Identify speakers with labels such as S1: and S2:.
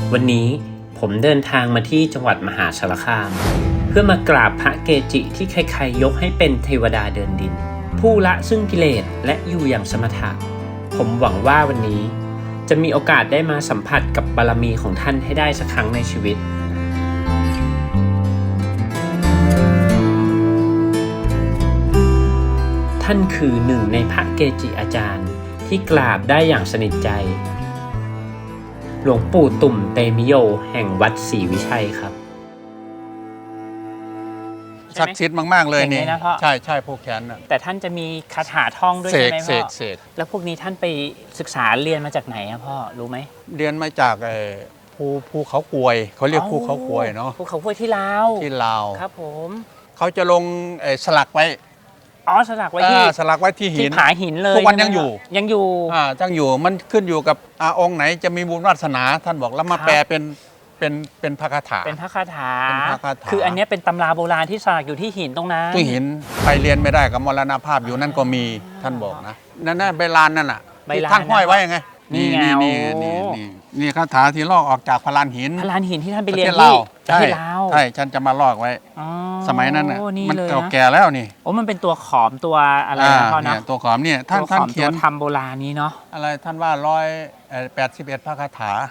S1: วันนี้ผมเดินทางมาที่จังหวัดมหาสารคามเพื่อมากราบพระเกจิที่ใครๆยกให้เป็นเทวดาเดินดินผู้ละซึ่งกิเลสและอยู่อย่างสมถะผมหวังว่าวันนี้จะมีโอกาสได้มาสัมผัสกับบารมีของท่านให้ได้สักครั้งในชีวิตท่านคือหนึ่งในพระเกจิอาจารย์ที่กราบได้อย่างสนิทใจหลวงปู่ตุ่มเตมิโยแห่งวัดศรีวิชัยครับ
S2: ศักดิ์สิทธิ์มากๆเลยนี่ใช่ใช่ผูกแขนน่ะ
S1: แต่ท่านจะมีคาถาท่องด้วยใช่ไหมพ่อ
S2: เสก
S1: แล้วพวกนี้ท่านไปศึกษาเรียนมาจากไหนอะพ่อรู้ไหม
S2: เรียนมาจากภูเขากวยเขาเรียกภูเขากวยเนาะ
S1: ภูเขากวยที่ลาวครับผม
S2: เขาจะลงสลักไว้
S1: สลักไว้
S2: ที่หิน
S1: ผาหินเลย
S2: ทุกวันยังอยู่
S1: ยังอยู่
S2: มันขึ้นอยู่กับองค์ไหนจะมีบุญวาสนาท่านบอกแล้วมาแปลเป็นพระคาถา
S1: คืออันนี้เป็นตำราโบราณที่สลักอยู่ที่หินตรงนั้น
S2: ที่หินไปเรียนไม่ได้กับมรณภาพอยู่นั่นก็มีท่านบอกนะนั่นใบลานนั่นน่ะที่ท่านห้อยไว้ยังไงนี่คาถาที่ลอกออกจากพลานหิน
S1: ที่ท่านไปเรียนที่ลาว
S2: ใช่ฉันจะมาลอกไว้สมัยนั้นน่ะมันเก่าแก่แล้วนี่
S1: มันเป็นตัวขอมตัวอะไรนะพ่อนะ
S2: ตัวขอมเนี่ยท่านเขียน
S1: ทำโบราณนี้เนาะ
S2: อะไรท่านว่า181พระคาถา